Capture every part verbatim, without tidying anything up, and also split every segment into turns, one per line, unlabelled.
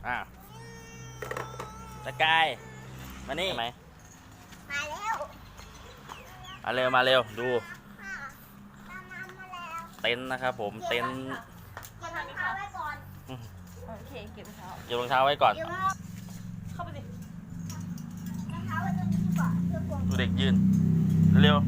อ่าตะกายมานี่ไหม
มาแล้ว
มาเร็วมาเร็วดู
ค่ะตามน้ำมาแล้ว
เต็นท์นะครับผมเต็นท์
เก็บรองเท้าไว้ก่อน
โอเคเก็บรองเท้า
เก็บรองเท้าไว้ก่อน
เดี๋ยวร
เข้าไปสิ
องเท้าไว้ตรงนี้ดีกว่าเพื่อกลัว
ดูเด็กยืนเร็ว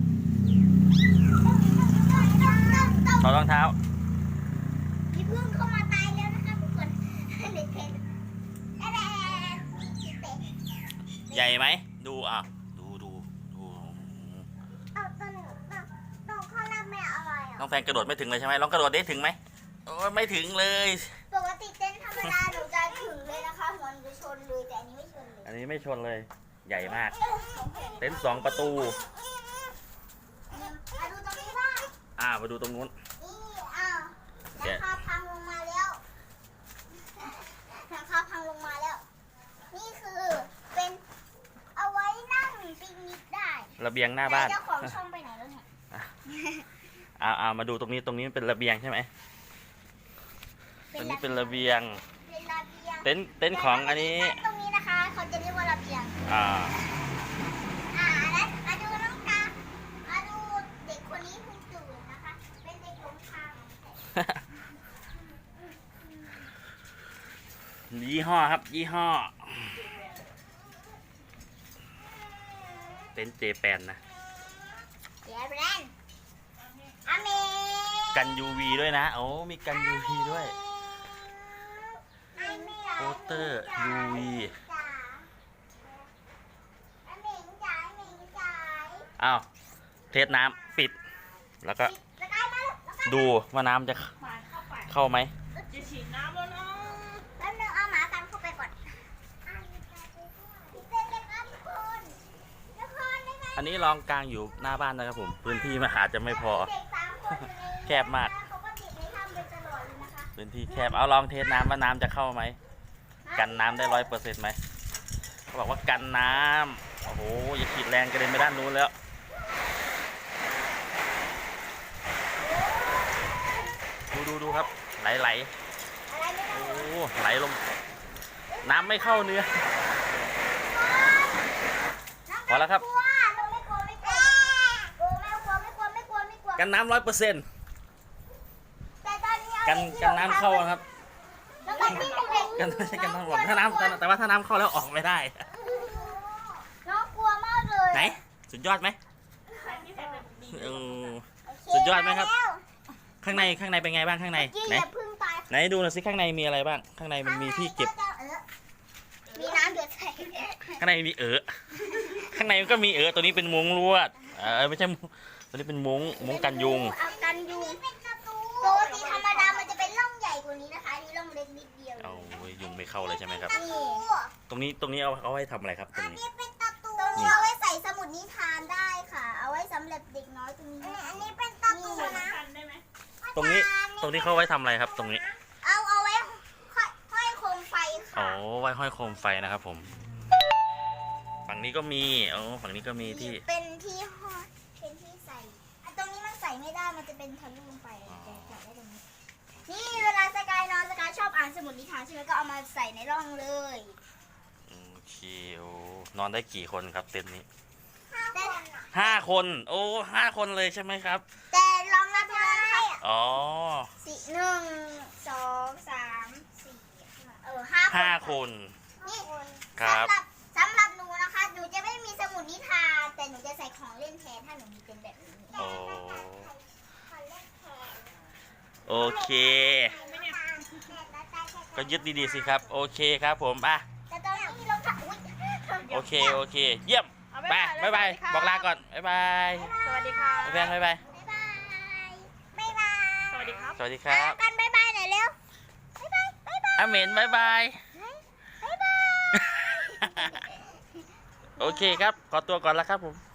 ต้อง
ถอดรองเท้า
มีพึ่งเข้ามาตายแล้วนะคะทุกคนเด็กเพชรแอะแอะเตะ
ใหญ่ไหมดูอ่ะดูดูดู
เอาตอนตอนข้างล่างไม่อะไร
น้
อ่ะ
องแฟนกระโดดไม่ถึงเลยใช่ไหมลองกระโดดได้ถึงไหมโอ้ยไม่ถึงเลย
ปกติเต้นธรรมดาหนูจะถึงเลยนะคะหัวหนูจะชนเลยแต่อันนี้ไม่ชนเลย
อันนี้ไม่ชนเลยใหญ่มากเต็นท์สองประตู
มาดูตรงนี้บ้าง
อ่ามาดูตรงนู้น
นี่อ้าวหลังคาพังลงมาแล้วหลังคาพังลงมาแล้ว นี่คือเป็นเอาไว้นั่งปิกนิกได้
ระเบียงหน้าบ้าน
แต่เจ้าของช่องไปไหนแล้วเนี่ย
อ่าอ่ามาดูตรงนี้ตรงนี้เป็นระเบียงใช่ไหมตรงนี้เป็นระเบียง
เป็นระเบียง
เต็นท์เต็นท์ของอันนี้
ตรงนี้นะคะเขาจะเรียกว่าระเบียง
อ่า
อ่าแล้วมาดูน้องกามาดูเด็กคนนี้เพิ่งตื่นนะคะ เป็นเด็กหลงทาง
ยี่ห้อครับยี่ห้อเต็นท์เจแปนนะ
เดี๋ยวแบรนด์อเม
กัน ยู วี ด้วยนะโอ้มีกัน ยู วี ด้วย โปสเตอร์ ยู วี
จ๋าอเมงจ๋าอเมงจ๋า
อ้าวเทสน้ำปิด แล้วก็
แล้วก็มาแล้วก็
ดูว่าน้ำจะ
หมาเข้าไป
เข้าไหม
จะฉีดน้ำแล้วเนาะ
แป๊บนึงเอาหมากันเข้าไปก่อนเต้นเลยครับทุกคนทุกคนได้ไหม
อันนี้ลองกลางอยู่หน้าบ้านนะครับผมพื้นที่มันอาจจะไม่พอ
เด็กสามคนอยู่ใน
แคบมาก
เขาก็ติดในถ้ำไปตลอดเลยนะคะ
พื้นที่แคบเอาลองเทสน้ำว่าน้ำจะเข้าไหมกันน้ำได้ร้อยเปอร์เซ็นต์ไหมเขาบอกว่ากันน้ำโอ้โหอย่าขีดแรงกระเด็นไปด้านนู้นแล้วดูดูดูครับไหลไหล
อะไรไม่
โอ้
รู้
ไหลลง น้ำไม่เข้าเนื้อ พอแล้วครับ
กลัวเราไม่กลัวไม่กลัวกลัวไม่กลัวไม่กลัวไม่กลัวไม่กลัว
กันน้ำร้อยเปอร์เซ็นต์
แต่ตอนนี้เอา
กัน
เด็
กันน้ำเข้านะครับ
แล้วก็ที่เด็กๆ
กันไม่ใช่กันน้ำหลงถ้าน้ำแต่แต่ว่าถ้าน้ำเข้าแล้วออกไม่ได้
น้องกลัวมากเลย
ไหนสุดยอดไหม
ใครที่เสร็จเป็นดี
เออ
โเค
สุดยอดไหมครับ
แล้ว
ข้างในข้างในเป็นไงบ้างข้างใน
ยิ่ง
ไหน
อย่าพึ่งตาย
ไหนดูหน่อยสิข้างในมีอะไรบ้าง ข้างในมันมีที่เก็บ
ข้างในจะเออมีน้ำหยดใส่
ข้างในมีเออข้างในมันก็มีเออตัวนี้เป็นมุ้งลวดเออไม่ใช่มุ้งตัวนี้เป็นมุ้งมุ้งกันยุง
เอากันยุงปกติธรรมดามันจะเป็นร่องใหญ่กว่านี้นะคะอันนี่ร่องเล็กนิดเดียว
เอาเว้ยยุงไม่เข้าเลยใช่ไหมครับ
นี่
ตรงนี้ตรงนี้เอาเอาไว้ทำอะไรครับตรงนี้
เป็นตะตูตรงนี้เอาไว้ใส่สมุดนิทานได้ค่ะ เอาไว้สำหรับเด็กน้อยตรงนี้อันนี้เป็นตะตู
ๆ
นะ
กันได้ไหม
ตรงนี้ตรงนี้เขาไว้ทำอะไรครับ ตรงนี้
เอาเอาไว้ห้อยห้อยโคมไฟ
อ๋
ค่ะ
อไว้ห้อยโคมไฟนะครับผม ฝั่งนี้ก็มีอ๋อฝั่งนี้ก็มีที่
เป็นที่ห้อยเป็นที่ใส่อ่ะตรงนี้มันใส่ไม่ได้มันจะเป็นทะลุลงไปแต่ใส่ได้ตรงนี้นี่เวลาสกายนอนสกายชอบอ่านสมุดนิทานใช่ไหมก็เอามาใส่ในร่องเลย
โอเคโอ้นอนได้กี่คนครับเต็นท์นี้
แต่
ห้าคนโอ้ห้าคนเลยใช่ไหมครับ
แต่ลองนับดูนะคะ
อ๋อ
สี่หนึ่งสองสามสี่เออห้า
ห้าคน
นี่
ครับ
สำหรับสำหรับหนูนะคะ หนูจะไม่มีสมุดนิทานแต่หนูจะใส่ของเล่นแทนถ้าหนูมีเป็นแบบนี้
โอ้
ของเล่นแทน
โอเค ก็ยึดดีๆสิครับ โอเคครับผมอ่ะ
แต่ตอนนี้เราค่ะอุ๊ย
โอเคโอเค เยี่ยมไปบายบายบอกลาก่อนบายบาย
สวัสดีค่ะ
แฟนบายบาย
บ๊ายบายบ๊ายบาย
สวัสดีครับ
สวัสดีครับ
กันบ๊ายบายหน่อยเร็วบ๊ายบายบ๊ายบาย
อาเหม็นบายบาย
บ๊ายบาย
โอเคครับ ขอตัวก่อนแล้วครับผม